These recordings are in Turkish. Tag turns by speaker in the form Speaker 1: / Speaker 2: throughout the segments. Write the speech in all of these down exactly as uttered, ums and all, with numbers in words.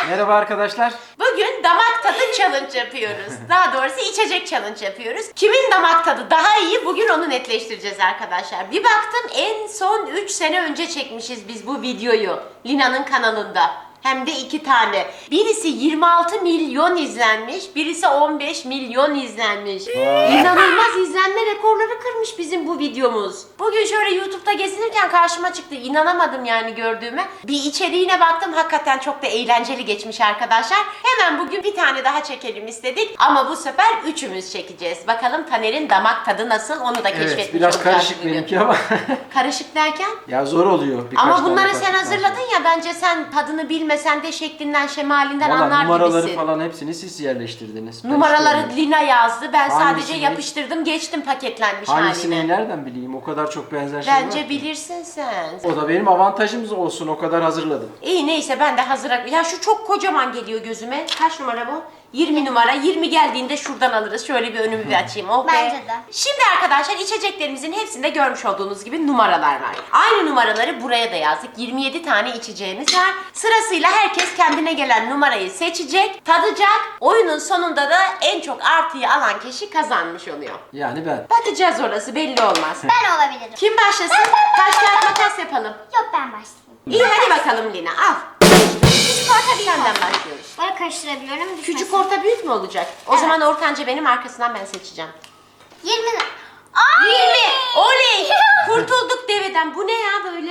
Speaker 1: Merhaba arkadaşlar.
Speaker 2: Bugün damak tadı challenge yapıyoruz. Daha doğrusu içecek challenge yapıyoruz. Kimin damak tadı daha iyi bugün onu netleştireceğiz arkadaşlar. Bir baktım en son üç sene önce çekmişiz biz bu videoyu. Lina'nın kanalında. Hem de iki tane. Birisi yirmi altı milyon izlenmiş, birisi on beş milyon izlenmiş. İnanılmaz izlenme rekorları kırmış bizim bu videomuz. Bugün şöyle YouTube'da gezinirken karşıma çıktı. İnanamadım yani gördüğüme. Bir içeriğine baktım, hakikaten çok da eğlenceli geçmiş arkadaşlar. Hemen bugün bir tane daha çekelim istedik. Ama bu sefer üçümüz çekeceğiz. Bakalım Taner'in damak tadı nasıl, onu da keşfetmiş
Speaker 1: Evet, biraz
Speaker 2: olacağız
Speaker 1: karışık
Speaker 2: bugün.
Speaker 1: benimki ama.
Speaker 2: Karışık derken?
Speaker 1: Ya zor oluyor. Birkaç
Speaker 2: Ama
Speaker 1: tane
Speaker 2: bunları
Speaker 1: karışık
Speaker 2: sen
Speaker 1: var.
Speaker 2: hazırladın ya, bence sen tadını bilmesen de şeklinden şemalinden
Speaker 1: Vallahi
Speaker 2: anlar
Speaker 1: numaraları
Speaker 2: gibisin.
Speaker 1: falan hepsini siz yerleştirdiniz. Ben
Speaker 2: Numaraları
Speaker 1: hiç görmedim.
Speaker 2: Lina yazdı. Ben sadece
Speaker 1: Hangisini?
Speaker 2: yapıştırdım, geçtim paketlenmiş
Speaker 1: Hangisini
Speaker 2: haline.
Speaker 1: nereden bileyim? O kadar çok benzer şey var.
Speaker 2: Bence
Speaker 1: ki.
Speaker 2: bilirsin sen.
Speaker 1: O da benim avantajım olsun. O kadar hazırladım.
Speaker 2: İyi neyse, ben de hazır. Ya şu çok kocaman geliyor gözüme. Kaç numara bu? yirmi numara. yirmi geldiğinde şuradan alırız. Şöyle bir önümü bir açayım. Oh be.
Speaker 3: Bence de.
Speaker 2: Şimdi arkadaşlar içeceklerimizin hepsinde görmüş olduğunuz gibi numaralar var. Aynı numaraları buraya da yazdık. yirmi yedi tane içeceğimiz var. Sırasıyla herkes kendine gelen numarayı seçecek, tadacak. Oyunun sonunda da en çok artıyı alan kişi kazanmış oluyor.
Speaker 1: Yani ben.
Speaker 2: Bakacağız, orası belli olmaz.
Speaker 3: Ben olabilirim.
Speaker 2: Kim başlasın? Taş kağıt makas yapalım.
Speaker 3: Yok, ben başlayayım.
Speaker 2: İyi hadi bakalım Lina, al.
Speaker 3: Küçük orta büyük
Speaker 2: Senden
Speaker 3: olsun.
Speaker 2: başlıyoruz.
Speaker 3: Böyle karıştırabiliyorum. düşmesin.
Speaker 2: Küçük orta büyük mü olacak? O
Speaker 3: Evet.
Speaker 2: zaman ortanca benim, arkasından ben seçeceğim.
Speaker 3: yirmi. Ay!
Speaker 2: yirmi. Oley! Kurtulduk deveden. Bu ne ya böyle?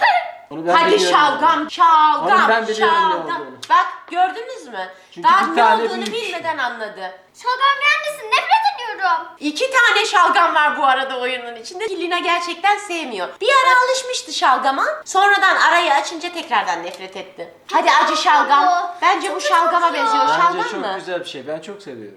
Speaker 1: Onu ben
Speaker 2: Hadi
Speaker 1: biliyorum.
Speaker 2: şalgam, şalgam,
Speaker 1: Onu ben biliyorum ne
Speaker 2: şalgam.
Speaker 1: olduğunu.
Speaker 2: Bak gördünüz mü?
Speaker 1: Çünkü
Speaker 2: Daha
Speaker 1: bir
Speaker 2: ne
Speaker 1: tane
Speaker 2: olduğunu
Speaker 1: büyük.
Speaker 2: bilmeden anladı.
Speaker 3: Şalgam gelmesin, nefret ediyorum.
Speaker 2: İki tane şalgam var bu arada oyunun içinde. Lina gerçekten sevmiyor. Bir ara alışmıştı şalgama. Sonradan arayı açınca tekrardan nefret etti. Hadi acı şalgam.
Speaker 3: Bu.
Speaker 2: Bence bu
Speaker 3: Çok
Speaker 2: şalgama
Speaker 3: kötü.
Speaker 2: benziyor.
Speaker 1: Bence
Speaker 2: Şalgam
Speaker 1: çok
Speaker 2: mı?
Speaker 1: güzel bir şey. Ben çok seviyorum.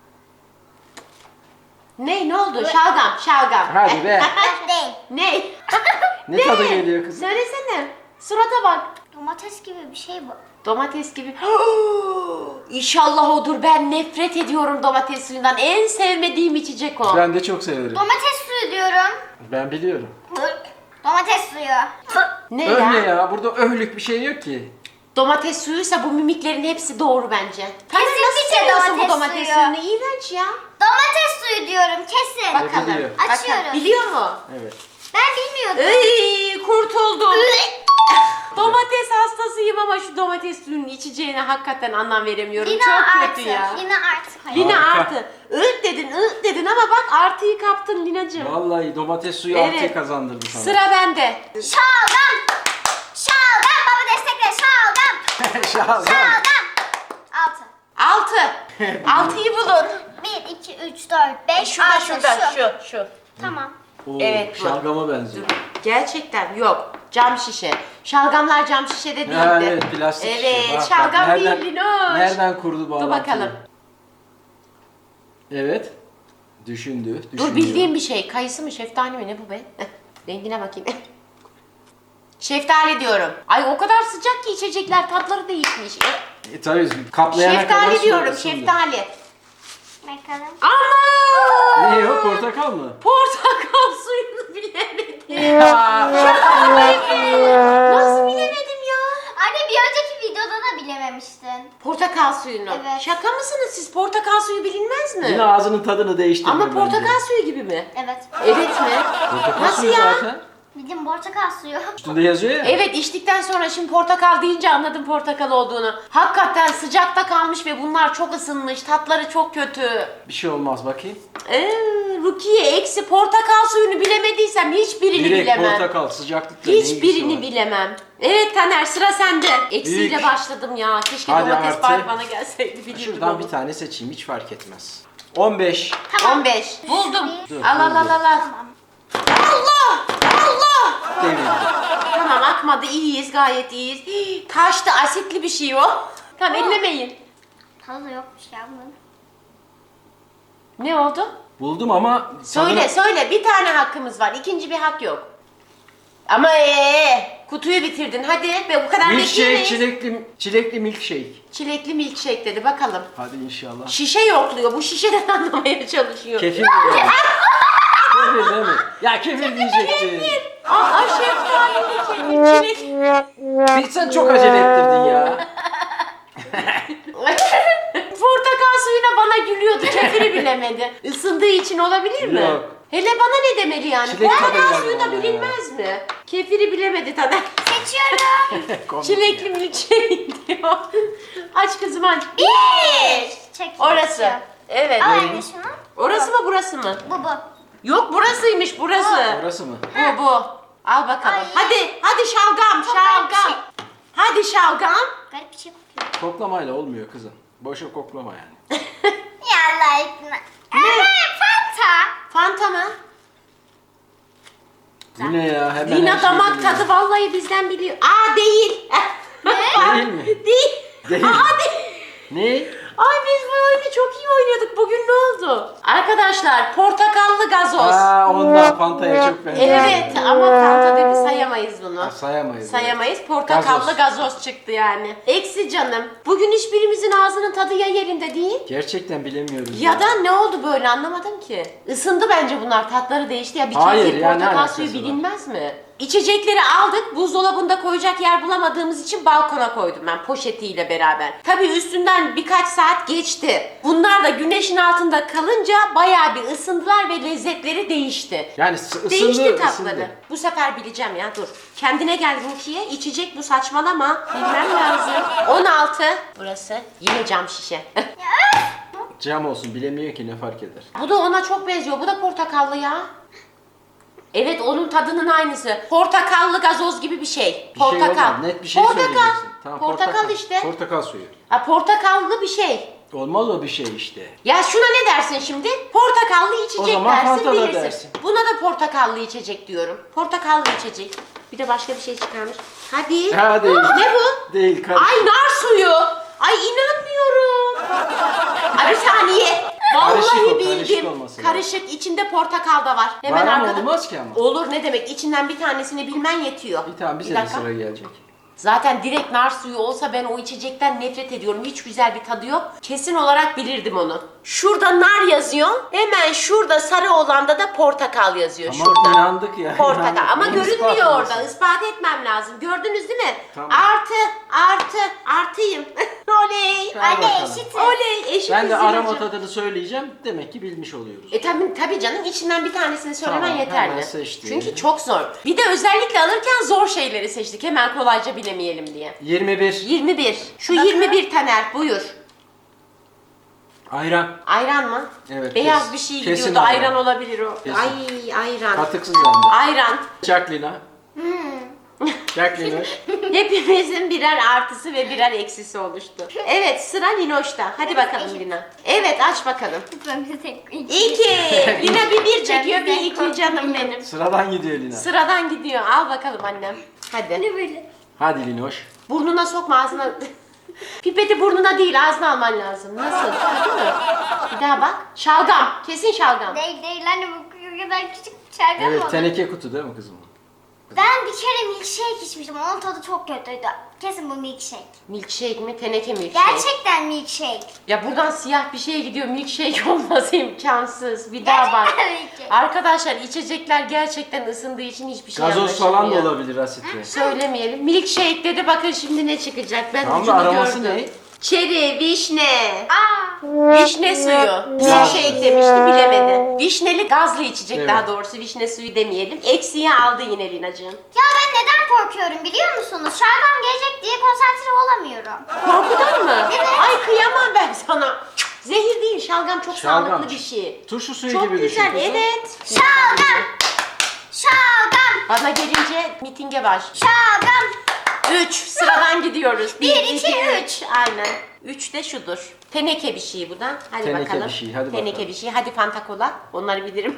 Speaker 2: Ne ne oldu? Şalgam, şalgam.
Speaker 1: Hadi be.
Speaker 3: Ben değil.
Speaker 2: Ne?
Speaker 1: Ne tadı geliyor kızım?
Speaker 2: Söylesene. Surata bak.
Speaker 3: Domates gibi bir şey bu.
Speaker 2: Domates gibi. İnşallah odur. Ben nefret ediyorum domates suyundan. En sevmediğim içecek o.
Speaker 1: Ben de çok severim.
Speaker 3: Domates suyu diyorum.
Speaker 1: Ben biliyorum.
Speaker 3: Domates suyu.
Speaker 2: Ne
Speaker 1: Öh
Speaker 2: ya?
Speaker 1: ne ya? Burada öhlük bir şey yok ki.
Speaker 2: Domates suyuysa bu mimiklerin hepsi doğru bence. Taner
Speaker 3: Kesinlikle
Speaker 2: nasıl seviyorsun bu
Speaker 3: domates
Speaker 2: domates
Speaker 3: suyu.
Speaker 2: suyunu? İğrenç ya.
Speaker 3: Domates suyu diyorum kesin.
Speaker 2: Bakalım.
Speaker 1: biliyor.
Speaker 2: bakalım.
Speaker 3: Açıyoruz.
Speaker 2: Biliyor mu?
Speaker 1: Evet.
Speaker 3: Ben bilmiyordum.
Speaker 2: Ey, kurtuldum. Domates hastasıyım ama şu domates suyunun içeceğine hakikaten anlam veremiyorum.
Speaker 3: Lina
Speaker 2: Çok
Speaker 3: artı.
Speaker 2: kötü ya.
Speaker 3: Lina artı. Hayır.
Speaker 2: Lina
Speaker 1: Harika.
Speaker 2: artı. Iıt dedin, ııt dedin ama bak artıyı kaptın Linacığım.
Speaker 1: Vallahi domates suyu
Speaker 2: Evet.
Speaker 1: artı kazandırdı sana.
Speaker 2: Sıra bende.
Speaker 3: Şalgam. Şalgam. Baba destekle. Şalgam.
Speaker 1: Şalgam.
Speaker 3: Şalgam. Altı.
Speaker 2: Altı. Altıyı bulun.
Speaker 3: Bir, iki, üç, dört, beş,
Speaker 2: Şurada
Speaker 3: altı.
Speaker 2: şurada
Speaker 3: Şu.
Speaker 2: şu şu.
Speaker 3: Tamam.
Speaker 1: Oo,
Speaker 2: Evet, bu.
Speaker 1: şalgama benziyor.
Speaker 2: Gerçekten yok. Cam şişe. Şalgamlar cam şişede değildi.
Speaker 1: Ha, evet, plastik
Speaker 2: Evet,
Speaker 1: şişe. Bak, bak,
Speaker 2: şalgam
Speaker 1: nereden-
Speaker 2: değil Linoş.
Speaker 1: Nereden kurdu bu
Speaker 2: Dur
Speaker 1: bağlantıyı?
Speaker 2: bakalım.
Speaker 1: Evet. Düşündü.
Speaker 2: Dur,
Speaker 1: düşünüyor.
Speaker 2: bildiğim bir şey. Kayısı mı, şeftali mi, ne bu be? Eh, rengine bakayım. Şeftali diyorum. Ay o kadar sıcak ki içecekler, tatları değişmiş. Eh,
Speaker 1: E, tabii kaplayana kadar
Speaker 2: Şeftali
Speaker 1: su
Speaker 2: diyorum,
Speaker 1: ısındı.
Speaker 2: şeftali.
Speaker 3: Bakalım.
Speaker 2: Ama!
Speaker 1: Ne o, portakal mı?
Speaker 2: Portakal suyunu bilemedim. Nasıl bilemedim ya?
Speaker 3: Anne, bir önceki videoda da bilememiştin.
Speaker 2: Portakal suyunu.
Speaker 3: Evet.
Speaker 2: Şaka mısınız siz? Portakal suyu bilinmez mi?
Speaker 1: Yine ağzının tadını değiştirdi.
Speaker 2: Ama
Speaker 1: bence.
Speaker 2: portakal suyu gibi mi?
Speaker 3: Evet.
Speaker 2: Evet mi?
Speaker 1: Portakal
Speaker 2: Nasıl
Speaker 1: suyu
Speaker 2: ya?
Speaker 1: zaten.
Speaker 3: Bildim, portakal suyu.
Speaker 1: Üstünde yazıyor ya.
Speaker 2: Evet, içtikten sonra şimdi portakal deyince anladım portakal olduğunu. Hakikaten sıcakta kalmış ve bunlar çok ısınmış. Tatları çok kötü.
Speaker 1: Bir şey olmaz bakayım.
Speaker 2: Ee, Rukiye eksi portakal suyunu bilemediysem hiçbirini
Speaker 1: Direkt
Speaker 2: bilemem.
Speaker 1: portakal sıcaklıkla ne ilgisi
Speaker 2: Hiçbirini
Speaker 1: var?
Speaker 2: bilemem. Evet Taner, sıra sende. Eksiyle
Speaker 1: Büyük.
Speaker 2: başladım ya. Keşke
Speaker 1: Hadi
Speaker 2: domates
Speaker 1: artı.
Speaker 2: bari bana gelseydi, bilirdim
Speaker 1: Şuradan
Speaker 2: onu.
Speaker 1: bir tane seçeyim, hiç fark etmez. on beş.
Speaker 2: on beş. Buldum.
Speaker 1: Dur,
Speaker 2: Al al al
Speaker 1: buldum.
Speaker 2: al. al.
Speaker 3: Tamam.
Speaker 2: Allah! Allah!
Speaker 1: Devirdi.
Speaker 2: Tamam, akmadı, iyiyiz, gayet iyiyiz. Hii, taştı, asitli bir şey o. Tamam, ellemeyin.
Speaker 3: Tadı da yokmuş ya bunun.
Speaker 2: Ne oldu?
Speaker 1: Buldum ama
Speaker 2: Söyle
Speaker 1: tadını-
Speaker 2: söyle, bir tane hakkımız var, ikinci bir hak yok. Ama ee, kutuyu bitirdin hadi ve bu kadar
Speaker 1: Milkshake,
Speaker 2: bekleyemeyiz.
Speaker 1: çilekli, çilekli milkshake.
Speaker 2: Çilekli milkshake dedi, bakalım.
Speaker 1: Hadi inşallah.
Speaker 2: Şişe yokluyor, bu şişeden anlamaya çalışıyor.
Speaker 1: Kefir mi? yani? Kefir değil mi? Ya kefir diyecektin.
Speaker 2: Aa, şeftalili kefir, çilek.
Speaker 1: Bir sen çok acele ettirdin ya.
Speaker 2: bilemedi. Isındığı için olabilir mi?
Speaker 1: Yok.
Speaker 2: Hele bana ne demeli yani?
Speaker 1: Çilek tadı
Speaker 2: Portakal
Speaker 1: geldi
Speaker 2: suyu da
Speaker 1: bana
Speaker 2: bilinmez mi? Kefiri bilemedi Taner.
Speaker 3: Seçiyorum.
Speaker 1: Komik
Speaker 2: Çilekli
Speaker 1: ya.
Speaker 2: milkshake diyor. Aç kızım aç.
Speaker 3: Bir. Çek.
Speaker 2: Orası. Evet.
Speaker 3: Al anne şunu.
Speaker 2: Orası mı burası mı?
Speaker 3: Bu bu.
Speaker 2: Yok burasıymış burası.
Speaker 1: Burası mı?
Speaker 2: Bu bu. Al bakalım.
Speaker 3: Ay.
Speaker 2: Hadi hadi şalgam
Speaker 3: Çok garip bir
Speaker 2: şalgam.
Speaker 3: şey.
Speaker 2: Hadi şalgam.
Speaker 3: Garip bir şey kokuyor.
Speaker 1: Koklamayla olmuyor kızım. Boşa koklama yani.
Speaker 3: Ya Allah aşkına. Evet, Fanta.
Speaker 2: Fanta mı?
Speaker 1: Bu ne ya? Hemen her
Speaker 2: Lina
Speaker 1: şeyi
Speaker 2: damak
Speaker 1: biliyor.
Speaker 2: tadı vallahi bizden biliyor. Aa değil.
Speaker 1: Değil mi?
Speaker 2: Değil.
Speaker 1: Değil.
Speaker 2: Aa değil.
Speaker 1: Ne?
Speaker 2: Ay biz bu oyunu çok iyi oynadık. Bugün ne oldu? Arkadaşlar portakallı gazoz.
Speaker 1: Aa ondan Fanta'ya çok benziyor.
Speaker 2: Evet ama Fanta dedi sayamayız bunu.
Speaker 1: Ha, sayamayız.
Speaker 2: Sayamayız. Portakallı gazoz.
Speaker 1: Gazoz.
Speaker 2: çıktı yani. Eksi canım. Bugün hiçbirimizin ağzının tadı ya yerinde değil.
Speaker 1: Gerçekten bilemiyoruz.
Speaker 2: Ya da ne oldu böyle anlamadım ki. Isındı bence bunlar. Tatları değişti ya. Bir
Speaker 1: Hayır,
Speaker 2: kez
Speaker 1: ya ne
Speaker 2: portakal
Speaker 1: alakası
Speaker 2: suyu
Speaker 1: var?
Speaker 2: bilinmez mi? İçecekleri aldık. Buzdolabında koyacak yer bulamadığımız için balkona koydum ben poşetiyle beraber. Tabii üstünden birkaç saat geçti. Bunlar da güneşin altında kalınca bayağı bir ısındılar ve lezzetleri değişti.
Speaker 1: Yani s- ısındı,
Speaker 2: Değişti tatları.
Speaker 1: ısındı.
Speaker 2: Bu sefer bileceğim ya dur. Kendine gel Rukiye. İçecek bu saçmalama. Bilmem lazım. on altı. Burası yine cam şişe.
Speaker 1: Cam olsun bilemiyor ki ne fark eder.
Speaker 2: Bu da ona çok benziyor. Bu da portakallı ya. Evet onun tadının aynısı. Portakallı gazoz gibi bir şey.
Speaker 1: Bir şey
Speaker 2: Portakal.
Speaker 1: olmaz. Net bir şey
Speaker 2: portakal.
Speaker 1: söyleyeceksin. Tamam,
Speaker 2: portakal, işte.
Speaker 1: Portakal suyu.
Speaker 2: Ha, portakallı bir şey.
Speaker 1: Olmaz o bir şey işte.
Speaker 2: Ya şuna ne dersin şimdi? Portakallı içecek
Speaker 1: O zaman
Speaker 2: dersin
Speaker 1: Fanta da
Speaker 2: bilirsin.
Speaker 1: dersin.
Speaker 2: Buna da portakallı içecek diyorum. Portakallı içecek. Bir de başka bir şey çıkarmış. Hadi.
Speaker 1: Ha, değil.
Speaker 2: Ne bu?
Speaker 1: Değil karışık.
Speaker 2: Ay nar suyu. Ay inanmıyorum. Ay bir saniye. Vallahi
Speaker 1: Karışık o,
Speaker 2: bildim.
Speaker 1: karışık olması lazım.
Speaker 2: Karışık. İçinde portakal da var. Hemen
Speaker 1: Var ama
Speaker 2: arkada.
Speaker 1: olmaz ki ama.
Speaker 2: Olur ne demek? İçinden bir tanesini bilmen yetiyor.
Speaker 1: Bir tane bize
Speaker 2: Bir
Speaker 1: de
Speaker 2: dakika.
Speaker 1: sıra gelecek.
Speaker 2: Zaten direkt nar suyu olsa ben o içecekten nefret ediyorum. Hiç güzel bir tadı yok. Kesin olarak bilirdim onu. Şurada nar yazıyor. Hemen şurada sarı olanda da portakal yazıyor.
Speaker 1: Tamam,
Speaker 2: şurada.
Speaker 1: inandık ya,
Speaker 2: Portakal.
Speaker 1: inandık.
Speaker 2: Ama
Speaker 1: Neyi
Speaker 2: görünmüyor
Speaker 1: ispatlamasın?
Speaker 2: orada. Ispat etmem lazım. Gördünüz değil mi?
Speaker 1: Tamam.
Speaker 2: Artı, artı, artıyım. Oley.
Speaker 1: Hadi
Speaker 3: Anne
Speaker 1: bakalım.
Speaker 3: eşit.
Speaker 2: Oley. Eşit
Speaker 1: Ben de
Speaker 2: üzülücü.
Speaker 1: arama tadını söyleyeceğim. Demek ki bilmiş oluyoruz.
Speaker 2: E tabii, tabii canım içinden bir tanesini söylemen
Speaker 1: Tamam,
Speaker 2: yeterli.
Speaker 1: hemen seçtim.
Speaker 2: Çünkü çok zor. Bir de özellikle alırken zor şeyleri seçtik. Hemen kolayca bilemeyelim diye.
Speaker 1: yirmi bir.
Speaker 2: yirmi bir. Şu yirmi bir Taner buyur.
Speaker 1: Ayran.
Speaker 2: Ayran mı?
Speaker 1: Evet,
Speaker 2: Beyaz
Speaker 1: kes-
Speaker 2: bir şey
Speaker 1: kesin
Speaker 2: gidiyordu.
Speaker 1: ayran.
Speaker 2: Ayran olabilir o.
Speaker 1: Kesin.
Speaker 2: Ay ayran.
Speaker 1: Katıksız hem de.
Speaker 2: Ayran.
Speaker 1: Jacqueline'a.
Speaker 2: Hmm.
Speaker 1: Jacqueline.
Speaker 2: Hepimizin birer artısı ve birer eksisi oluştu. Evet sıra Linoş'ta. Hadi bakalım Lina. Evet aç bakalım.
Speaker 3: Ben bir tek
Speaker 2: İki. Lina bir bir çekiyor bir
Speaker 3: Ben
Speaker 2: iki
Speaker 3: korktum.
Speaker 2: canım benim.
Speaker 1: Sıradan gidiyor Lina.
Speaker 2: Sıradan gidiyor. Al bakalım annem. Hadi.
Speaker 3: Ne böyle?
Speaker 1: Hadi Linoş.
Speaker 2: Burnuna sokma ağzına. Pipeti burnuna değil ağzına alman lazım. Nasıl? Değil mi? Bir daha bak. Şalgam. Kesin şalgam.
Speaker 3: Değil değil anne bu kadar küçük bir şalgam
Speaker 1: Evet
Speaker 3: oldu.
Speaker 1: teneke kutu değil mi kızım?
Speaker 3: Ben bir kere milkshake içmiştim. Onun tadı çok kötüydü. Kesin bu milkshake.
Speaker 2: Milkshake mi? Teneke milkshake.
Speaker 3: Gerçekten milkshake.
Speaker 2: Ya buradan siyah bir şeye gidiyor. Milkshake olması imkansız. Bir daha bak.
Speaker 3: Gerçekten milkshake.
Speaker 2: Arkadaşlar içecekler gerçekten ısındığı için hiçbir şey
Speaker 1: Gazoz falan da
Speaker 2: anlaşılmıyor.
Speaker 1: olabilir asitli.
Speaker 2: Söylemeyelim. Milkshake dedi bakın şimdi ne çıkacak. Ben
Speaker 1: Tamam da
Speaker 2: ucunu
Speaker 1: aroması
Speaker 2: gördüm.
Speaker 1: ne?
Speaker 2: Çeri, vişne.
Speaker 3: Aa.
Speaker 2: Vişne suyu. Milkshake demişti bilemedi. Vişneli gazlı içecek
Speaker 1: Evet.
Speaker 2: daha doğrusu. Vişne suyu demeyelim. Eksiye aldı yine Linacığım.
Speaker 3: Ya ben neden korkuyorum biliyor musunuz? Şalgam gelecek diye konsantre olamıyorum.
Speaker 2: Korkudan mı?
Speaker 3: Evet.
Speaker 2: Ay kıyamam ben sana. Zehir değil şalgam çok
Speaker 1: Şalgam.
Speaker 2: sağlıklı bir şey.
Speaker 1: Turşu suyu
Speaker 2: Çok
Speaker 1: gibi düşün
Speaker 2: güzel
Speaker 1: kızım.
Speaker 2: evet.
Speaker 3: Şalgam. Şalgam.
Speaker 2: Bana gelince mitinge baş.
Speaker 3: Şalgam.
Speaker 2: Üç. Sıradan gidiyoruz.
Speaker 3: Bir, iki, üç.
Speaker 2: Aynen. Üç de şudur. Teneke bir şey bu da. Hadi
Speaker 1: Teneke
Speaker 2: bakalım.
Speaker 1: bir şey, hadi
Speaker 2: Teneke
Speaker 1: bakalım.
Speaker 2: bir şey. Hadi Fanta Kola. Onları bilirim.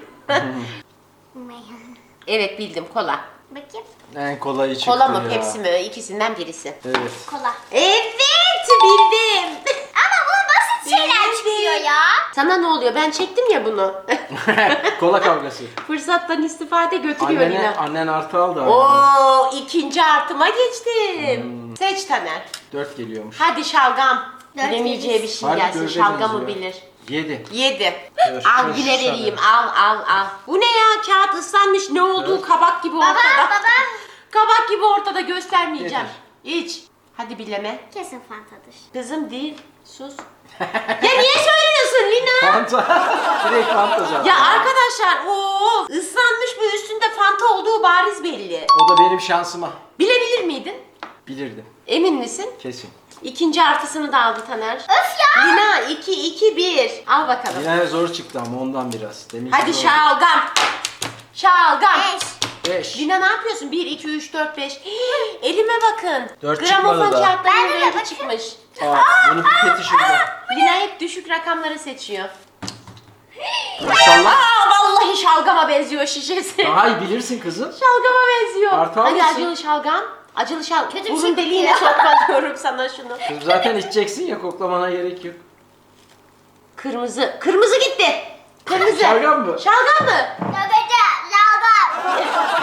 Speaker 2: Evet bildim kola.
Speaker 3: Bakayım.
Speaker 1: En kolayı çıktı
Speaker 2: Kola mı
Speaker 1: ya.
Speaker 2: Pepsi mi? İkisinden birisi.
Speaker 1: Evet.
Speaker 3: Kola.
Speaker 2: Evet bildim.
Speaker 3: Ama bu basit şeyler
Speaker 2: Bildim.
Speaker 3: çıkıyor ya.
Speaker 2: Sana ne oluyor? Ben çektim ya bunu.
Speaker 1: Kola kavgası.
Speaker 2: Fırsattan istifade götürüyor
Speaker 1: Annene,
Speaker 2: Lina.
Speaker 1: annen artı aldı.
Speaker 2: Oo ikinci artıma geçtim.
Speaker 1: Hmm.
Speaker 2: Seç Taner.
Speaker 1: Dört geliyormuş.
Speaker 2: Hadi şalgam.
Speaker 3: Dört
Speaker 2: Bilemeyeceği bir şey
Speaker 1: Hadi
Speaker 2: gelsin.
Speaker 1: dördediniz
Speaker 2: Şalgamı
Speaker 1: ya.
Speaker 2: bilir.
Speaker 1: Yedi.
Speaker 2: Yedi.
Speaker 1: Dur,
Speaker 2: Al
Speaker 1: dur,
Speaker 2: yine
Speaker 1: sana.
Speaker 2: vereyim. Al al al. Bu ne ya? Kağıt ıslanmış. Ne olduğu
Speaker 1: Evet.
Speaker 2: kabak gibi
Speaker 3: Baba
Speaker 2: ortada.
Speaker 3: baba.
Speaker 2: Kabak gibi ortada göstermeyeceğim.
Speaker 1: Getir.
Speaker 2: İç. Hadi bileme.
Speaker 3: Kesin Fanta'dır.
Speaker 2: Kızım değil. Sus. Ya niye söylüyorsun Lina.
Speaker 1: Fanta. Direkt Fanta zaten.
Speaker 2: Ya arkadaşlar o ıslanmış bu, üstünde Fanta olduğu bariz belli.
Speaker 1: O da benim şansıma.
Speaker 2: Bilebilir miydin?
Speaker 1: Bilirdim.
Speaker 2: Emin misin?
Speaker 1: Kesin.
Speaker 2: İkinci artısını da aldı Taner.
Speaker 3: Öf ya.
Speaker 2: Lina iki iki bir. Al bakalım.
Speaker 1: Yine zor çıktı ama ondan biraz. Demin
Speaker 2: Hadi şalgam. Şalgam.
Speaker 3: Beş.
Speaker 1: beş.
Speaker 2: Lina ne yapıyorsun? bir, iki, üç, dört, beş. Elime bakın.
Speaker 1: Dört
Speaker 2: Gramofon
Speaker 1: çıkmadı da.
Speaker 2: kağıtlarının
Speaker 3: Ben de
Speaker 2: rengi
Speaker 3: bakayım.
Speaker 2: çıkmış.
Speaker 1: Aa, bunun pipeti şurada.
Speaker 2: Lina hep düşük rakamları seçiyor.
Speaker 1: İnşallah.
Speaker 2: Aa vallahi şalgama benziyor şişesi.
Speaker 1: Daha iyi bilirsin kızım.
Speaker 2: Şalgama benziyor.
Speaker 1: Artı
Speaker 2: Hadi
Speaker 1: almışsın.
Speaker 2: acılı şalgam. Acılı şalgam.
Speaker 3: Kötü bir
Speaker 2: Burun
Speaker 3: şey
Speaker 2: deliğine
Speaker 3: kokuyor.
Speaker 2: sokma diyorum sana şunu.
Speaker 1: Kızım zaten içeceksin ya, koklamana gerek yok.
Speaker 2: Kırmızı. Kırmızı gitti. Kırmızı.
Speaker 1: Şalgam mı?
Speaker 2: Şalgam mı?
Speaker 3: Nöbete. Lağdan.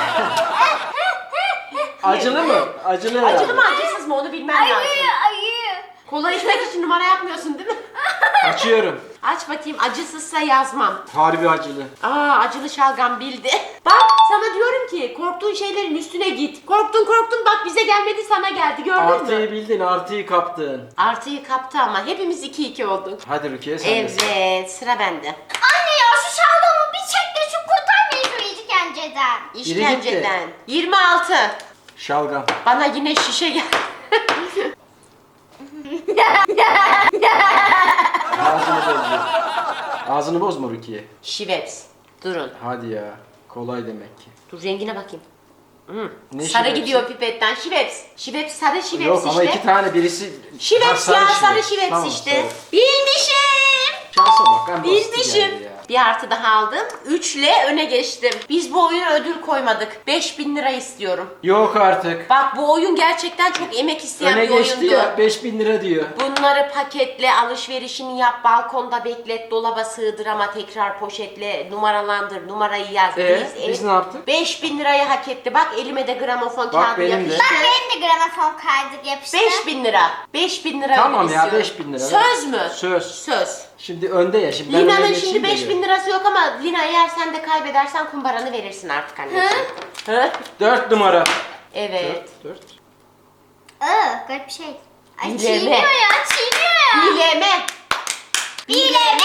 Speaker 1: Acılı mı? Acılı herhalde.
Speaker 2: Acılı mı acısız mı onu bilmem lazım.
Speaker 3: Ayı. Ayı.
Speaker 2: Kola içmek için numara yapmıyorsun değil mi?
Speaker 1: Açıyorum.
Speaker 2: Aç bakayım, acısızsa yazmam.
Speaker 1: Harbi acılı.
Speaker 2: Aa acılı şalgam bildi. Bak sana diyorum ki korktuğun şeylerin üstüne git. Korktun korktun bak bize gelmedi sana geldi, gördün mü?
Speaker 1: Artıyı bildin, artıyı kaptın.
Speaker 2: Artıyı kaptı ama hepimiz iki iki olduk.
Speaker 1: Hadi Rukiye sen de.
Speaker 2: Evet sıra bende.
Speaker 3: Anne ya şu şalgamı bir çek de şu kurtar beni şu işkenceden.
Speaker 2: İşkenceden. yirmi altı.
Speaker 1: Şalgam.
Speaker 2: Bana yine şişe gel.
Speaker 1: Ağzını bozma. Ağzını bozma Rukiye.
Speaker 2: Şiveps. Durun.
Speaker 1: Hadi ya. Kolay demek ki.
Speaker 2: Dur rengine bakayım. Hmm.
Speaker 1: Ne
Speaker 2: Sarı
Speaker 1: şivepsi?
Speaker 2: gidiyor pipetten. Şiveps. Şiveps sarı şiveps
Speaker 1: Yok
Speaker 2: işte.
Speaker 1: ama iki tane birisi... Ha,
Speaker 2: Şiveps ya sarı
Speaker 1: şiveps.
Speaker 2: şiveps
Speaker 1: Tamam,
Speaker 2: işte.
Speaker 1: sarı.
Speaker 2: Bilmişim.
Speaker 1: Şansa bak. En basiti
Speaker 2: Bilmişim.
Speaker 1: geldi ya.
Speaker 2: Bir artı daha aldım. Üçle öne geçtim. Biz bu oyuna ödül koymadık. beş bin lira istiyorum.
Speaker 1: Yok artık.
Speaker 2: Bak bu oyun gerçekten çok emek isteyen
Speaker 1: Öne
Speaker 2: bir
Speaker 1: geçti
Speaker 2: oyundu.
Speaker 1: ya. beş bin lira diyor.
Speaker 2: Bunları paketle, alışverişini yap, balkonda beklet, dolaba sığdır ama tekrar poşetle, numaralandır, numarayı yaz.
Speaker 1: Ee, biz ne yaptık?
Speaker 2: beş bin lirayı hak etti. Bak elime de gramofon
Speaker 1: Bak
Speaker 2: kağıdı
Speaker 1: benim de.
Speaker 2: yapıştı.
Speaker 3: Bak benim de gramofon kaydı yapıştı.
Speaker 2: beş bin lira. beş bin lira
Speaker 1: Tamam
Speaker 2: ödül
Speaker 1: ya,
Speaker 2: istiyorum.
Speaker 1: beş bin lira.
Speaker 2: Söz mü?
Speaker 1: Söz.
Speaker 2: Söz.
Speaker 1: Şimdi önde ya. Şimdi ben öne
Speaker 2: Lina'nın
Speaker 1: geçeyim
Speaker 2: şimdi
Speaker 1: de
Speaker 2: beş
Speaker 1: gör.
Speaker 2: bin lirası yok ama Lina eğer sen de kaybedersen kumbaranı verirsin artık anneciğim. Hı?
Speaker 1: Dört numara.
Speaker 2: Evet.
Speaker 1: Dört. Dört.
Speaker 3: Iı, garip bir şey. Ay
Speaker 2: Bileme.
Speaker 3: çiğniyor ya, çiğniyor ya.
Speaker 2: Bileme.
Speaker 3: Bileme.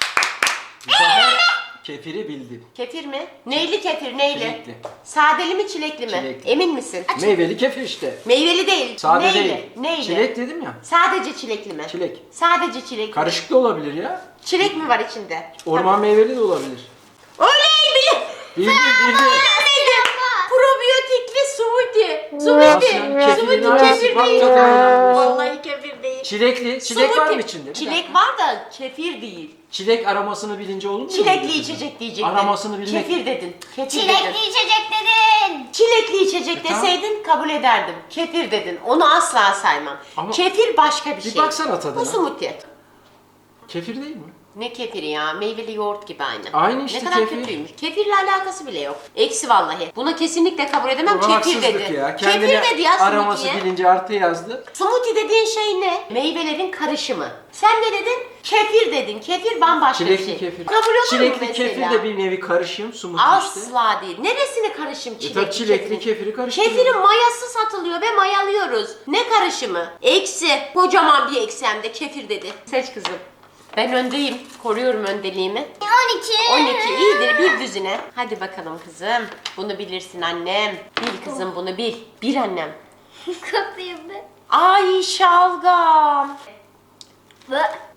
Speaker 1: Bu sefer kefiri bildim.
Speaker 2: Kefir mi? Neyli kefir, neyli?
Speaker 1: Çilekli.
Speaker 2: Sadeli mi, çilekli mi?
Speaker 1: Çilekli.
Speaker 2: Emin misin?
Speaker 1: Meyveli kefir işte.
Speaker 2: Meyveli değil.
Speaker 1: Sade
Speaker 2: neyli?
Speaker 1: değil.
Speaker 2: Neyli?
Speaker 1: Çilek dedim ya.
Speaker 2: Sadece çilekli mi?
Speaker 1: Çilek.
Speaker 2: Sadece çilekli.
Speaker 1: Karışık da olabilir ya.
Speaker 2: Çilek mi var içinde?
Speaker 1: Orman meyveli de olabilir.
Speaker 2: Oley bile.
Speaker 1: Bildim bildim.
Speaker 2: Neydi? Probiyotikli smoothie. Smoothie.
Speaker 1: Nasıl? Kefirin
Speaker 2: Smoothie
Speaker 1: aynısı.
Speaker 2: kefir
Speaker 1: Bak
Speaker 2: değil.
Speaker 1: tadına inanmıyorsun.
Speaker 2: Vallahi kefir değil.
Speaker 1: Çilekli. Çilek var
Speaker 2: Smoothie.
Speaker 1: mı içinde? Bir
Speaker 2: Çilek
Speaker 1: dakika.
Speaker 2: var da kefir değil.
Speaker 1: Çilek aromasını bilince olur mu?
Speaker 2: Çilekli içecek diyecektin.
Speaker 1: Aromasını bilmek.
Speaker 2: Kefir dedin. Kefir dedin.
Speaker 3: Çilekli içecek dedin.
Speaker 2: Çilekli içecek
Speaker 1: E, tamam.
Speaker 2: deseydin kabul ederdim. Kefir dedin. Onu asla saymam.
Speaker 1: Ama-
Speaker 2: Kefir başka bir
Speaker 1: Bir
Speaker 2: şey.
Speaker 1: baksana tadına.
Speaker 2: Bu smoothie.
Speaker 1: Kefir değil mi?
Speaker 2: Ne kefiri ya? Meyveli yoğurt gibi aynı.
Speaker 1: Aynı işte
Speaker 2: Ne kadar
Speaker 1: kefir.
Speaker 2: kötüymüş. Kefirle alakası bile yok. Eksi vallahi. Buna kesinlikle kabul edemem.
Speaker 1: Bu
Speaker 2: Kefir
Speaker 1: haksızlık
Speaker 2: dedi.
Speaker 1: ya.
Speaker 2: Kefir
Speaker 1: Kendine
Speaker 2: dedi ya
Speaker 1: aroması
Speaker 2: smoothie'ye.
Speaker 1: bilince artı yazdı.
Speaker 2: Smoothie dediğin şey ne? Meyvelerin karışımı. Sen ne dedin? Kefir dedin. Kefir bambaşka
Speaker 1: Çilekli
Speaker 2: bir şey.
Speaker 1: kefir.
Speaker 2: Kabul olur mu
Speaker 1: Çilekli
Speaker 2: mesela?
Speaker 1: kefir de bir nevi karışım. Smoothie işte.
Speaker 2: Asla değil. Neresini karışım
Speaker 1: E
Speaker 2: çilekli
Speaker 1: tabii çilekli
Speaker 2: kefirin?
Speaker 1: kefiri karıştırıyor.
Speaker 2: Kefirin mayası satılıyor ve mayalıyoruz. Ne karışımı? Eksi. Kocaman bir eksi hem de kefir dedi. Seç kızım. Ben öndeyim. Koruyorum öndeliğimi.
Speaker 3: on iki.
Speaker 2: on iki iyidir bir düzine. Hadi bakalım kızım. Bunu bilirsin annem. Bil kızım bunu bil. Bil annem.
Speaker 3: Kapıyım ben.
Speaker 2: Ay şalgam.
Speaker 3: Bu.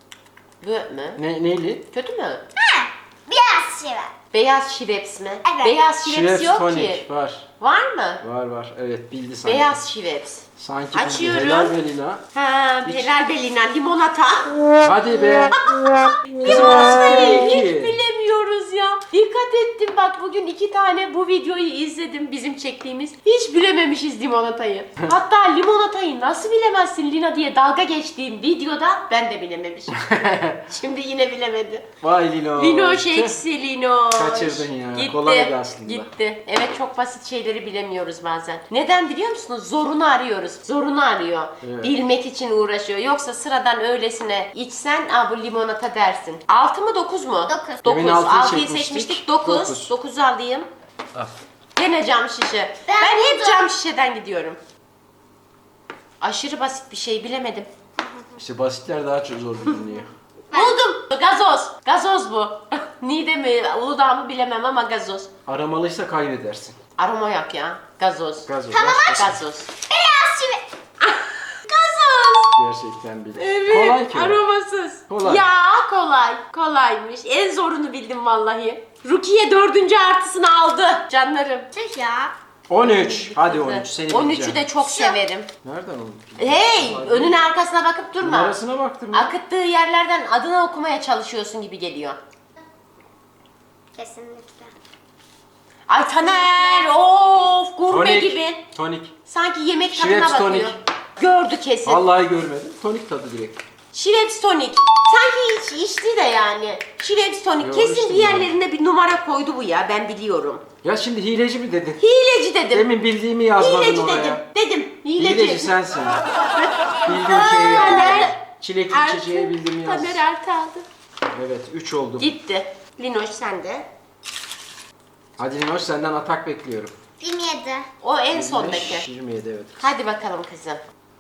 Speaker 2: Bu mü?
Speaker 1: Ne, neyli?
Speaker 2: Kötü mü?
Speaker 3: Ha, biraz şey var.
Speaker 2: Beyaz şiveps mi?
Speaker 3: Evet.
Speaker 2: Beyaz şiveps
Speaker 1: Şiveps
Speaker 2: yok
Speaker 1: tonik
Speaker 2: ki.
Speaker 1: var.
Speaker 2: Var mı?
Speaker 1: Var var. Evet bildi sanki.
Speaker 2: Beyaz şiveps.
Speaker 1: Sanki bildi.
Speaker 2: Açıyorum.
Speaker 1: Helal be Lina.
Speaker 2: Ha, helal belina limonata.
Speaker 1: Hadi be. Kızım nasıl
Speaker 2: Limonatayı hiç
Speaker 1: bildi ki?
Speaker 2: bilemiyoruz ya. Dikkat ettim bak bugün iki tane bu videoyu izledim bizim çektiğimiz. Hiç bilememişiz limonatayı. Hatta limonatayı nasıl bilemezsin Lina diye dalga geçtiğim videoda ben de bilememişim. Şimdi yine bilemedi.
Speaker 1: Vay Lino.
Speaker 2: Linoş
Speaker 1: Tüh.
Speaker 2: eksi Linoş.
Speaker 1: Kaçırdın ya.
Speaker 2: Gitti.
Speaker 1: Kolaydı aslında.
Speaker 2: Gitti. Evet çok basit şeyleri bilemiyoruz bazen. Neden biliyor musunuz? Zorunu arıyoruz. Zorunu arıyor.
Speaker 1: Evet.
Speaker 2: Bilmek için uğraşıyor. Yoksa sıradan öylesine içsen aa bu limonata dersin. altı mı dokuz mu?
Speaker 3: Dokuz.
Speaker 2: dokuz.
Speaker 1: Demin altıyı
Speaker 2: altıyı
Speaker 1: çekmiştik.
Speaker 2: seçmiştik. dokuz.
Speaker 1: Dokuz.
Speaker 2: dokuzu alayım.
Speaker 1: Al.
Speaker 2: Gene cam şişe. Ben,
Speaker 3: Ben
Speaker 2: hep
Speaker 3: buldum.
Speaker 2: cam şişeden gidiyorum. Aşırı basit bir şey bilemedim.
Speaker 1: İşte basitler daha çok zor biliniyor.
Speaker 2: Buldum. Gazoz. Gazoz bu. Niğde mi, Uludağ mı bilemem ama gazoz.
Speaker 1: Aramalıysa kaybedersin.
Speaker 2: Aroma yok ya. Gazoz.
Speaker 1: Gazoz.
Speaker 3: Tamam,
Speaker 1: Gerçekten-
Speaker 2: Gazoz.
Speaker 3: Beyaz çivi.
Speaker 2: Gazoz.
Speaker 1: Gerçekten bile.
Speaker 2: Evet.
Speaker 1: Kolay ki. o.
Speaker 2: Aromasız.
Speaker 1: Kolay.
Speaker 2: Ya kolay. Kolaymış. En zorunu bildim vallahi. Rukiye dördüncü artısını aldı. Canlarım.
Speaker 3: Tüh ya.
Speaker 1: on üç. Hadi on üç. Seni
Speaker 2: on üçü
Speaker 1: bileceğim.
Speaker 2: de çok severim.
Speaker 1: Nereden oldu?
Speaker 2: Hey, önüne arkasına bakıp durma.
Speaker 1: Numarasına baktım ya.
Speaker 2: Akıttığı yerlerden adını okumaya çalışıyorsun gibi geliyor.
Speaker 3: Kesinlikle.
Speaker 2: Ay Taner, of gurme
Speaker 1: Tonik.
Speaker 2: gibi.
Speaker 1: Tonik.
Speaker 2: Sanki yemek tadına
Speaker 1: Schweppes
Speaker 2: bakıyor.
Speaker 1: tonik.
Speaker 2: Gördü kesin.
Speaker 1: Vallahi görmedim. Tonik tadı direkt.
Speaker 2: Schweppes tonik. Sanki hiç içti de yani. Schweppes tonik.
Speaker 1: Yo,
Speaker 2: Kesin
Speaker 1: içtim
Speaker 2: bir yerlerinde bir numara koydu bu ya, ben biliyorum.
Speaker 1: Ya şimdi hileci mi dedin?
Speaker 2: Hileci dedim.
Speaker 1: Demin bildiğimi yazmadın
Speaker 2: Hileci
Speaker 1: oraya.
Speaker 2: dedim. Dedim. Hileci.
Speaker 1: Hileci sensin. Bildiğim şeyi
Speaker 2: Taner.
Speaker 1: yaptın. Çilekli
Speaker 2: Artı.
Speaker 1: içeceği bildiğimi yaz.
Speaker 2: Taner artı aldı.
Speaker 1: Evet üç oldu.
Speaker 2: Gitti. Linoş sen de.
Speaker 1: Hadi Linoş senden atak bekliyorum.
Speaker 3: yirmi yedi.
Speaker 2: O en
Speaker 1: yirmi beş,
Speaker 2: sondaki.
Speaker 1: yirmi yedi evet.
Speaker 2: Hadi bakalım kızım.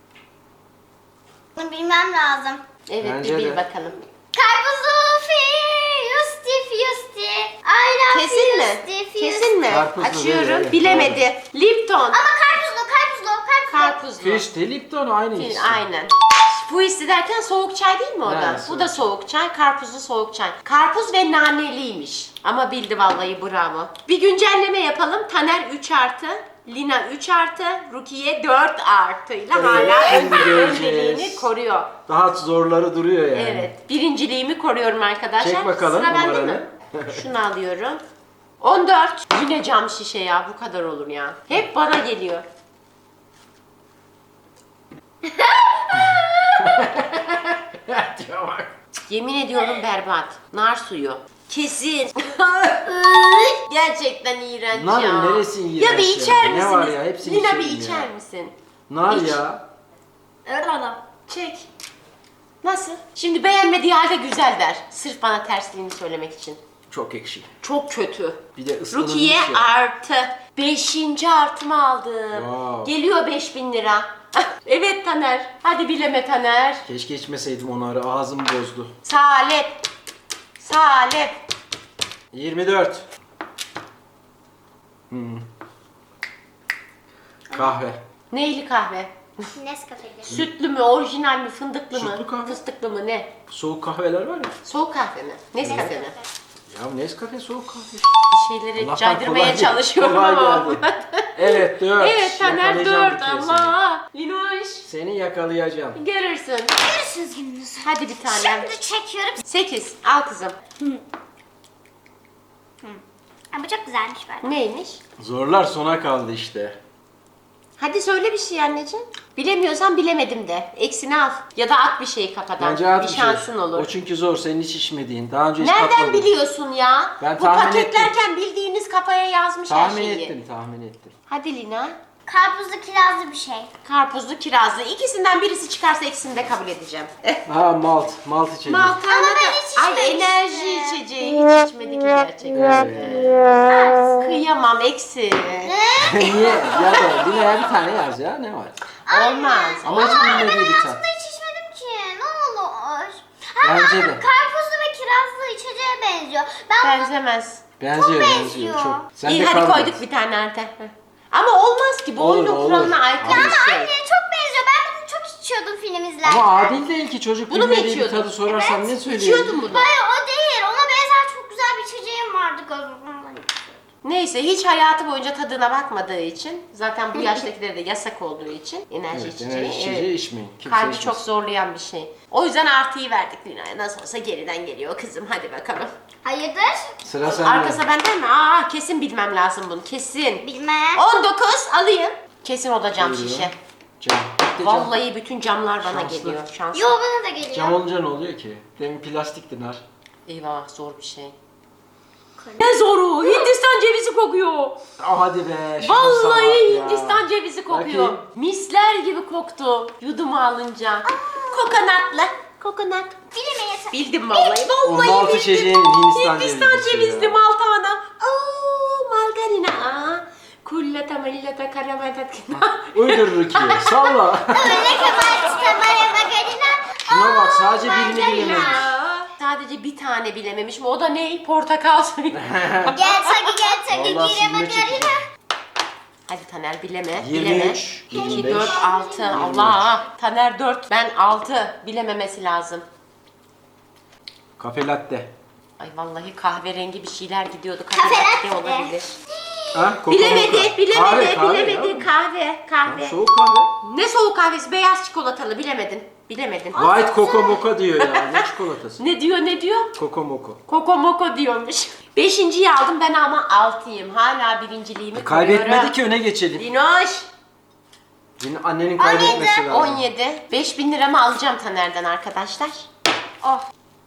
Speaker 3: Bunu bilmem lazım.
Speaker 2: Evet
Speaker 1: Bence
Speaker 2: bir bil
Speaker 1: de.
Speaker 2: bakalım.
Speaker 3: Karpuzlu Yusti Fusti. I love
Speaker 2: Kesin mi?
Speaker 3: Yusti Fusti.
Speaker 2: Kesin mi?
Speaker 1: Karpuzlu
Speaker 2: Açıyorum.
Speaker 1: değil, evet,
Speaker 2: Bilemedi. Lipton.
Speaker 3: Ama karpuzlu, karpuzlu, karpuzlu.
Speaker 2: Karpuzlu.
Speaker 1: Füste Lipton aynı
Speaker 2: Değil,
Speaker 1: ikisi.
Speaker 2: aynen. Fuisti derken soğuk çay değil mi o da?
Speaker 1: Evet,
Speaker 2: Bu da soğuk çay, karpuzlu soğuk çay. Karpuz ve naneliymiş. Ama bildi vallahi, bravo. Bir güncelleme yapalım. Taner üç artı, Lina üç artı, Rukiye dört artıyla
Speaker 1: Evet,
Speaker 2: hala
Speaker 1: şimdi
Speaker 2: ön-
Speaker 1: göreceğiz.
Speaker 2: önceliğini koruyor.
Speaker 1: Daha zorları duruyor yani.
Speaker 2: Evet, birinciliğimi koruyorum arkadaşlar.
Speaker 1: Çek bakalım
Speaker 2: Sıra bende
Speaker 1: numaranı.
Speaker 2: mi? Şunu alıyorum. on dört. Yine cam şişe ya, bu kadar olur ya. Hep bana geliyor.
Speaker 1: Diyor bak.
Speaker 2: Yemin ediyorum berbat. Nar suyu. Kesin. Gerçekten iğrenç
Speaker 1: Nar
Speaker 2: ya.
Speaker 1: neresi iğrenç
Speaker 2: Ya bir
Speaker 1: ya?
Speaker 2: içer
Speaker 1: Ne
Speaker 2: misiniz?
Speaker 1: var ya? Hepsini
Speaker 2: Lina bir
Speaker 1: içerim
Speaker 2: içer
Speaker 1: ya.
Speaker 2: misin?
Speaker 1: Nar
Speaker 2: İç.
Speaker 1: ya.
Speaker 3: Evet adam.
Speaker 2: Çek. Nasıl? Şimdi beğenmediği halde güzel der. Sırf bana tersliğini söylemek için.
Speaker 1: Çok ekşi.
Speaker 2: Çok kötü.
Speaker 1: Bir de ıslanılmış
Speaker 2: Rukiye
Speaker 1: ya.
Speaker 2: artı. Beşinci artımı aldım.
Speaker 1: Wow.
Speaker 2: Geliyor beş bin lira. Evet Taner. Hadi bileme Taner.
Speaker 1: Keşke içmeseydim o narı. Ağzım bozdu.
Speaker 2: Salep. Salep.
Speaker 1: yirmi dört. Hmm. Kahve.
Speaker 2: Neyli kahve?
Speaker 3: Nescafe'dir.
Speaker 2: Sütlü mü, orijinal mi, fındıklı mı,
Speaker 1: Sütlü kahve.
Speaker 2: fıstıklı mı, ne?
Speaker 1: Soğuk kahveler var ya.
Speaker 2: Soğuk kahve mi? Nescafe mi?
Speaker 1: Ya Nescafe soğuk kahve.
Speaker 2: Bir şeyleri
Speaker 1: Allah'tan
Speaker 2: caydırmaya
Speaker 1: kolay-
Speaker 2: çalışıyorum
Speaker 1: kolay
Speaker 2: ama.
Speaker 1: geldi. Evet dört.
Speaker 2: Evet Taner
Speaker 1: Yakalayacağım
Speaker 2: dört
Speaker 1: bir kere
Speaker 2: ama. Linoş.
Speaker 1: Seni yakalayacağım.
Speaker 2: Görürsün.
Speaker 3: Görüşürüz gününüz.
Speaker 2: Hadi bir tane.
Speaker 3: Şimdi çekiyorum.
Speaker 2: Sekiz. Al kızım.
Speaker 3: Ha, bu çok güzelmiş böyle.
Speaker 2: Neymiş?
Speaker 1: Zorlar sona kaldı işte.
Speaker 2: Hadi söyle bir şey anneciğim. Bilemiyorsan bilemedim de. Eksini al. Ya da at bir şeyi kafadan.
Speaker 1: Bence at
Speaker 2: bir
Speaker 1: bir şey.
Speaker 2: şansın olur.
Speaker 1: O çünkü zor. Senin hiç içmediğin. Daha önce hiç
Speaker 2: Nereden
Speaker 1: tatmadın.
Speaker 2: biliyorsun ya?
Speaker 1: Ben
Speaker 2: Bu
Speaker 1: tahmin
Speaker 2: paketlerken bildiğiniz kafaya yazmış her
Speaker 1: Tahmin
Speaker 2: şeyi.
Speaker 1: ettim, tahmin ettim.
Speaker 2: Hadi Lina.
Speaker 3: Karpuzlu kirazlı bir şey.
Speaker 2: Karpuzlu, kirazlı. İkisinden birisi çıkarsa ikisini de kabul edeceğim.
Speaker 1: Ha malt, malt içeceğim.
Speaker 2: Maltana
Speaker 3: Ama ben
Speaker 2: da...
Speaker 3: hiç
Speaker 2: Ay
Speaker 3: içmemiştim.
Speaker 2: enerji içeceği. Hiç içmedi ki gerçekten.
Speaker 1: Evet.
Speaker 2: Kıyamam eksi.
Speaker 1: Niye? Ya da Lina'ya bir tane yaz ya, ne var?
Speaker 2: Olmaz.
Speaker 1: Ama hiç bilmediği bir tat.
Speaker 3: Aslında hiç içmedim ki. Ne olur. Ha,
Speaker 1: Bence de.
Speaker 3: karpuzlu ve kirazlı içeceğe benziyor. Ben bunu...
Speaker 2: Benzemez.
Speaker 1: Benziyor, benziyor
Speaker 3: benziyor.
Speaker 1: çok. Sen
Speaker 2: İyi
Speaker 1: de
Speaker 2: hadi
Speaker 1: kavga
Speaker 2: koyduk
Speaker 1: et.
Speaker 2: bir tane artık. Ama olmaz ki. Bu
Speaker 1: Olur,
Speaker 2: oyunun
Speaker 1: olur.
Speaker 2: kuralına aykırı
Speaker 1: Ama
Speaker 2: bir şey.
Speaker 3: Anne çok benziyor. Ben bunu çok içiyordum film izlerken.
Speaker 1: Ama adil değil ki çocuk
Speaker 2: Bunu mu
Speaker 1: bilmediği bir
Speaker 2: içiyordun?
Speaker 1: tadı sorarsan
Speaker 3: Evet,
Speaker 1: ne söylüyor?
Speaker 2: İçiyordun bunu.
Speaker 3: Hayır o değil. Ona benzer çok güzel bir içeceğim vardı gazozundan.
Speaker 2: Neyse hiç hayatı boyunca tadına bakmadığı için, zaten bu yaştakilere de yasak olduğu için enerji
Speaker 1: Evet,
Speaker 2: içeceği,
Speaker 1: enerji içeceği
Speaker 2: evet,
Speaker 1: içmeyin. Kimse
Speaker 2: kalbi
Speaker 1: içmesin.
Speaker 2: çok zorlayan bir şey. O yüzden artıyı verdik Lina'ya. Nasıl olsa geriden geliyor kızım, hadi bakalım.
Speaker 3: Hayırdır?
Speaker 1: Sıra sende.
Speaker 2: Arkası benden mi? Aa kesin bilmem lazım bunu, kesin.
Speaker 3: Bilmem.
Speaker 2: on dokuz alayım. Kesin o da cam
Speaker 1: Buyurun.
Speaker 2: şişe.
Speaker 1: Cam. Bir de cam.
Speaker 2: Vallahi bütün camlar bana
Speaker 1: Şanslı.
Speaker 2: geliyor. Şanslı.
Speaker 3: Yo bana da geliyor.
Speaker 1: Cam olunca ne oluyor ki? Demin plastikti nar.
Speaker 2: Eyvah zor bir şey. Ne zoru? Hindistan cevizi kokuyor.
Speaker 1: Ah hadi be. şuna
Speaker 2: Vallahi
Speaker 1: salak ya.
Speaker 2: Hindistan cevizi kokuyor.
Speaker 1: Bakayım.
Speaker 2: Misler gibi koktu yudumu alınca. Kokonatlı. Kokonat.
Speaker 3: Bilime yeter.
Speaker 2: Bildim vallahi.
Speaker 1: O
Speaker 2: Vallahi
Speaker 1: maltı
Speaker 2: bildim.
Speaker 1: içeceğin Hindistan,
Speaker 2: Hindistan
Speaker 1: cevizlisi
Speaker 2: cevizli
Speaker 1: ya.
Speaker 2: malta ana. Aa, margarina. Aa, kullata malata karamatat.
Speaker 1: Uydur Rukiye. Salla.
Speaker 3: Öyle kemal istemeye magarina.
Speaker 1: Şuna bak sadece birini
Speaker 3: margarina.
Speaker 1: bilememiş.
Speaker 2: sadece bir tane bilememişim. O da ne? Portakal suyu.
Speaker 3: Gel Sagi gel Sagi.
Speaker 1: Vallahi
Speaker 3: Gire
Speaker 1: silme
Speaker 3: bak
Speaker 1: çekeceğim.
Speaker 3: yarına.
Speaker 2: Hadi Taner bileme.
Speaker 1: yirmi
Speaker 2: bileme.
Speaker 1: üç,
Speaker 2: iki,
Speaker 1: yirmi beş,
Speaker 2: dört, altı.
Speaker 1: yirmi üç.
Speaker 2: Allah. Taner dört. Ben altı. Bilememesi lazım.
Speaker 1: Kafe latte.
Speaker 2: Ay vallahi kahverengi bir şeyler gidiyordu.
Speaker 3: Kafe
Speaker 2: Kafe
Speaker 3: latte.
Speaker 2: olabilir.
Speaker 1: Ha, Coco
Speaker 2: Bilemedi,
Speaker 1: Mocha.
Speaker 2: bilemedi,
Speaker 1: Kahve, kahve
Speaker 2: bilemedi.
Speaker 1: ya.
Speaker 2: Kahve, kahve.
Speaker 1: Soğuk kahve.
Speaker 2: Ne soğuk kahvesi? Beyaz çikolatalı. Bilemedin. Bilemedin.
Speaker 1: White Coco Mocha diyor ya. Ne çikolatası?
Speaker 2: Ne diyor, ne diyor?
Speaker 1: Coco Moco.
Speaker 2: Koko moko diyormuş. Beşinciyi aldım ben ama altıyım. Hala birinciliğimi
Speaker 1: Kaybetmedi
Speaker 2: koruyorum.
Speaker 1: ki öne geçelim.
Speaker 2: Dinoş.
Speaker 1: Yine annenin kaybetmesi lazım.
Speaker 2: on yedi. beş bin liramı alacağım Taner'den arkadaşlar. Oh.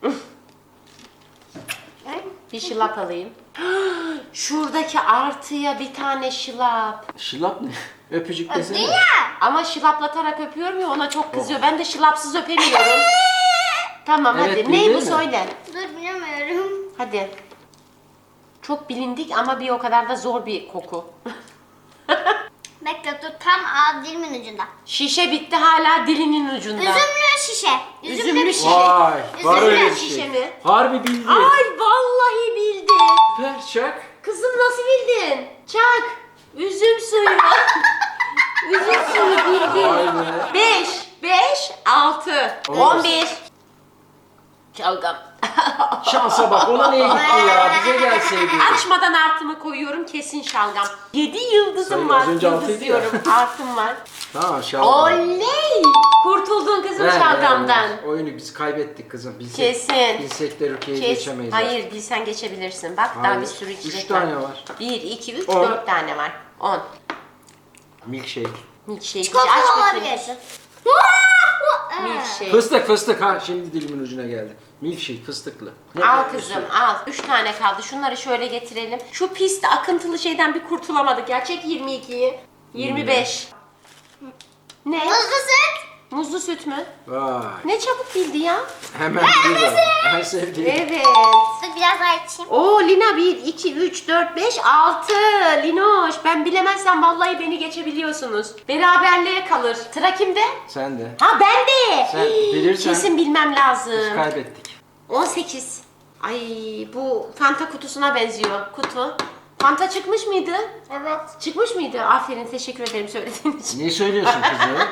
Speaker 2: Bir şılap alayım. Şuradaki artıya bir tane şılap.
Speaker 1: Şılap ne? Öpücük desene.
Speaker 3: Ya.
Speaker 2: Ama şılaplatarak öpüyorum ya ona çok kızıyor. Ben de şılapsız öpemiyorum. Tamam
Speaker 1: Evet,
Speaker 2: hadi.
Speaker 1: bildin
Speaker 2: Ne bu
Speaker 1: mi?
Speaker 2: söyle.
Speaker 3: Dur bilemiyorum.
Speaker 2: Hadi. Çok bilindik ama bir o kadar da zor bir koku.
Speaker 3: Bekle dur tam ağ dilimin ucunda.
Speaker 2: Şişe bitti hala dilinin ucunda.
Speaker 3: Üzümlü şişe. Üzümlü,
Speaker 2: Üzümlü
Speaker 3: bir
Speaker 2: şişe.
Speaker 3: şişe.
Speaker 1: Vay. Var
Speaker 3: Üzümlü
Speaker 1: öyle bir
Speaker 2: şişe
Speaker 1: şey.
Speaker 2: mi?
Speaker 1: Harbi bildi.
Speaker 2: Ay vallahi bildi.
Speaker 1: Ver çak.
Speaker 2: Kızım nasıl bildin? Çak. Üzüm suyu. Üzüm suyu bildin.
Speaker 1: Vay be.
Speaker 2: beş, beş, altı,
Speaker 1: Olmaz.
Speaker 2: on bir. Çalgam.
Speaker 1: Şansa bak ona niye gitti ya? Bize gelseydi.
Speaker 2: Açmadan artımı koyuyorum kesin şalgam. yedi yıldızım
Speaker 1: Sayın,
Speaker 2: var.
Speaker 1: az önce
Speaker 2: Yıldız
Speaker 1: altıydı ya.
Speaker 2: diyorum. Artım var.
Speaker 1: Tamam şalgam.
Speaker 2: Oley! Kurtuldun kızım
Speaker 1: Ver,
Speaker 2: şalgamdan.
Speaker 1: ver. Oyunu biz kaybettik kızım. Bilsek,
Speaker 2: Kesin.
Speaker 1: Bilsek de Rukiye'yi
Speaker 2: Kes.
Speaker 1: geçemeyiz.
Speaker 2: Hayır bilsen geçebilirsin. Bak daha
Speaker 1: Hayır.
Speaker 2: bir sürü içecek
Speaker 1: Üç tane var.
Speaker 2: bir, iki, üç,
Speaker 1: On.
Speaker 2: dört tane var. on.
Speaker 1: Milkshake.
Speaker 2: Milkshake.
Speaker 3: Çikolata
Speaker 2: Aç bakayım
Speaker 3: olabilir.
Speaker 2: kızım.
Speaker 3: Evet.
Speaker 2: Milkshake.
Speaker 1: Fıstık fıstık ha. Şimdi dilimin ucuna geldi. Milkshake fıstıklı. Ne
Speaker 2: Al
Speaker 1: kadar
Speaker 2: kızım
Speaker 1: üstü?
Speaker 2: al. Üç tane kaldı. Şunları şöyle getirelim. Şu pis akıntılı şeyden bir kurtulamadık ya. Çek yirmi ikiyi. yirmi beş. Ne?
Speaker 3: Muzlu süt.
Speaker 2: Muzlu süt mü?
Speaker 1: Vay.
Speaker 2: Ne çabuk bildi ya.
Speaker 1: Hemen biliyor. En sevdiğim.
Speaker 2: Evet.
Speaker 3: Dur biraz daha içeyim.
Speaker 2: Oo Lina bir, iki, üç, dört, beş, altı. Linoş ben bilemezsem vallahi beni geçebiliyorsunuz. Beraberliğe kalır. Sıra kimde?
Speaker 1: Sen de.
Speaker 2: Ha ben de.
Speaker 1: Sen bilirsen-
Speaker 2: Kesin bilmem
Speaker 1: Biz
Speaker 2: lazım.
Speaker 1: kaybettik.
Speaker 2: on sekiz. Ay bu Fanta kutusuna benziyor. Kutu. Fanta çıkmış mıydı?
Speaker 3: Evet.
Speaker 2: Çıkmış mıydı? Aferin teşekkür ederim söylediğin için.
Speaker 1: Niye söylüyorsun kızım?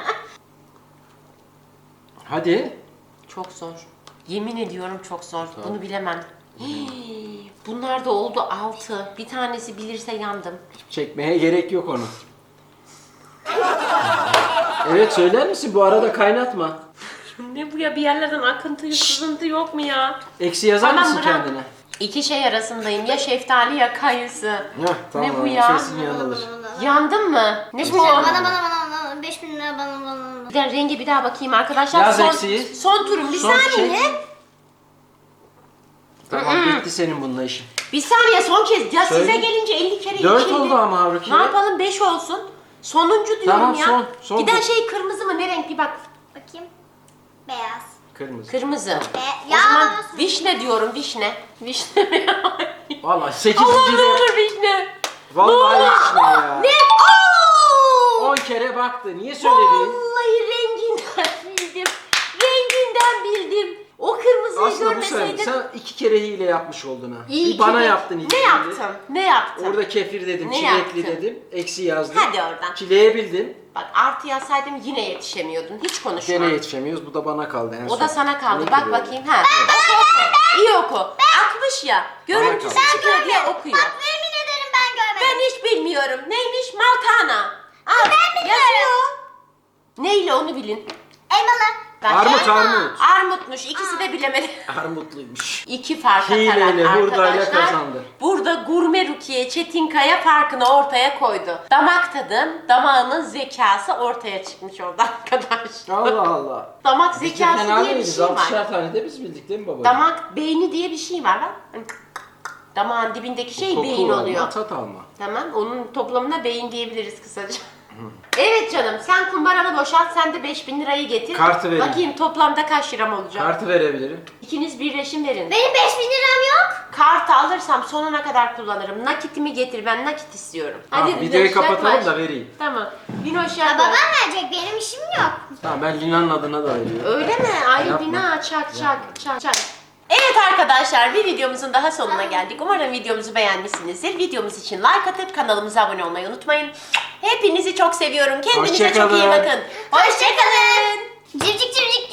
Speaker 1: Hadi.
Speaker 2: Çok zor. Yemin ediyorum çok zor. Bunu bilemem. Hii, bunlar da oldu altı. Bir tanesi bilirse yandım.
Speaker 1: Çekmeye gerek yok onu. Evet söyler misin? Bu arada kaynatma.
Speaker 2: Ne bu ya bir yerlerden akıntı sızıntı yok mu ya?
Speaker 1: Eksi yazar
Speaker 2: Tamam,
Speaker 1: mısın
Speaker 2: bırak.
Speaker 1: kendine?
Speaker 2: İki şey arasındayım ya şeftali ya kayısı.
Speaker 1: Heh, tamam.
Speaker 2: Ne bu ya?
Speaker 1: Kesin yanılır.
Speaker 2: Yandın mı? Ne bu?
Speaker 3: Bana bana bana bana beş bin lira bana bana bana.
Speaker 2: Bir de rengi bir daha bakayım arkadaşlar.
Speaker 1: Yaz
Speaker 2: son,
Speaker 1: eksiği.
Speaker 2: son turum bir
Speaker 1: Son
Speaker 2: saniye.
Speaker 1: şey. Tamam bitti senin bununla işin.
Speaker 2: Bir saniye son kez. Ya
Speaker 1: Söyle.
Speaker 2: size gelince elli kere
Speaker 1: Dört
Speaker 2: içeydi.
Speaker 1: oldu ama Haruki.
Speaker 2: Ne yapalım beş olsun. Sonuncu diyorum
Speaker 1: Tamam,
Speaker 2: ya.
Speaker 1: son, son
Speaker 2: Giden
Speaker 1: bu.
Speaker 2: şey kırmızı mı? Ne renk bir bak.
Speaker 3: Bakayım. Beyaz.
Speaker 1: Kırmızı.
Speaker 2: Kırmızı.
Speaker 3: Be
Speaker 2: O
Speaker 3: ya
Speaker 2: zaman
Speaker 3: babası.
Speaker 2: vişne diyorum vişne. Vişne mi?
Speaker 1: Vallahi sekizinci
Speaker 2: Allah'ım ne
Speaker 1: de.
Speaker 2: olur vişne.
Speaker 1: Vallahi hiç ne ya.
Speaker 2: Ne? Oo!
Speaker 1: On kere baktı. Niye söyledin?
Speaker 2: Vallahi renginden bildim. Renginden bildim. O kırmızıyı
Speaker 1: Aslında bu sen,
Speaker 2: görmeseydim.
Speaker 1: sen iki kere hile yapmış oldun ha.
Speaker 2: İyi
Speaker 1: bir
Speaker 2: ki
Speaker 1: bana
Speaker 2: de-
Speaker 1: yaptın ilk
Speaker 2: Ne
Speaker 1: hilede.
Speaker 2: yaptım? Ne yaptım?
Speaker 1: Orada kefir dedim,
Speaker 2: Ne
Speaker 1: çilekli
Speaker 2: yaptın?
Speaker 1: dedim, eksi yazdım.
Speaker 2: Hadi oradan.
Speaker 1: Çileğe bildin.
Speaker 2: Bak artı yazsaydım yine yetişemiyordun. Hiç konuşma.
Speaker 1: Gene yetişemiyoruz. Bu da bana kaldı en
Speaker 2: O
Speaker 1: son.
Speaker 2: da sana kaldı.
Speaker 1: Ne
Speaker 2: Bak
Speaker 1: ki böyle?
Speaker 2: bakayım. Ha. Oku, oku. İyi oku. altmış ya. Görüntüsü
Speaker 1: kaldı.
Speaker 2: çıkıyor diye okuyor.
Speaker 3: Bak yemin ederim ben görmedim.
Speaker 2: Ben hiç bilmiyorum. Neymiş? Maltana. Al. Yazıyor. Neyle onu bilin.
Speaker 3: Elmalı.
Speaker 2: Bak,
Speaker 1: Armut,
Speaker 2: elma.
Speaker 1: armut.
Speaker 2: Armutmuş. İkisi de bilemedi.
Speaker 1: Armutluymuş.
Speaker 2: İki fark
Speaker 1: Hileyle,
Speaker 2: atarak
Speaker 1: hurdayla
Speaker 2: arkadaşlar.
Speaker 1: kazandı.
Speaker 2: Burada Gurme Rukiye Çetinkaya farkını ortaya koydu. Damak tadım, damağının zekası ortaya çıkmış orada arkadaşlar.
Speaker 1: Allah Allah.
Speaker 2: Damak
Speaker 1: Biz de
Speaker 2: zekası
Speaker 1: fena
Speaker 2: diye bir
Speaker 1: değiliz.
Speaker 2: şey var.
Speaker 1: altışar tane de biz bildik değil mi babacığım?
Speaker 2: Damak beyni diye bir şey var bak. Damağın dibindeki şey
Speaker 1: Koku
Speaker 2: beyin
Speaker 1: alma,
Speaker 2: oluyor.
Speaker 1: tat alma.
Speaker 2: Tamam, onun toplamına beyin diyebiliriz kısaca. Evet canım, sen kumbaranı boşalt, sen de beş bin lirayı getir.
Speaker 1: Kartı vereyim.
Speaker 2: Bakayım toplamda kaç liram olacak.
Speaker 1: Kartı verebilirim.
Speaker 2: İkiniz birleşin verin.
Speaker 3: Benim beş bin liram yok.
Speaker 2: Kartı alırsam sonuna kadar kullanırım. Nakitimi getir, ben nakit istiyorum.
Speaker 1: Tamam,
Speaker 2: Linoş,
Speaker 1: videoyu kapatalım
Speaker 2: yaklaş.
Speaker 1: da vereyim.
Speaker 2: Tamam. Linoş
Speaker 3: Ya
Speaker 2: yaklaş.
Speaker 3: babam verecek benim işim yok.
Speaker 1: Tamam ben Lina'nın adına da veriyorum.
Speaker 2: Öyle mi? Ay
Speaker 1: Yapma.
Speaker 2: Lina çak çak çak çak. Evet arkadaşlar bir videomuzun daha sonuna geldik. Umarım videomuzu beğenmişsinizdir. Videomuz için like atıp kanalımıza abone olmayı unutmayın. Hepinizi çok seviyorum. Kendinize çok iyi
Speaker 1: Hoşçakalın.
Speaker 2: bakın. Hoşçakalın.
Speaker 3: Civcik civcik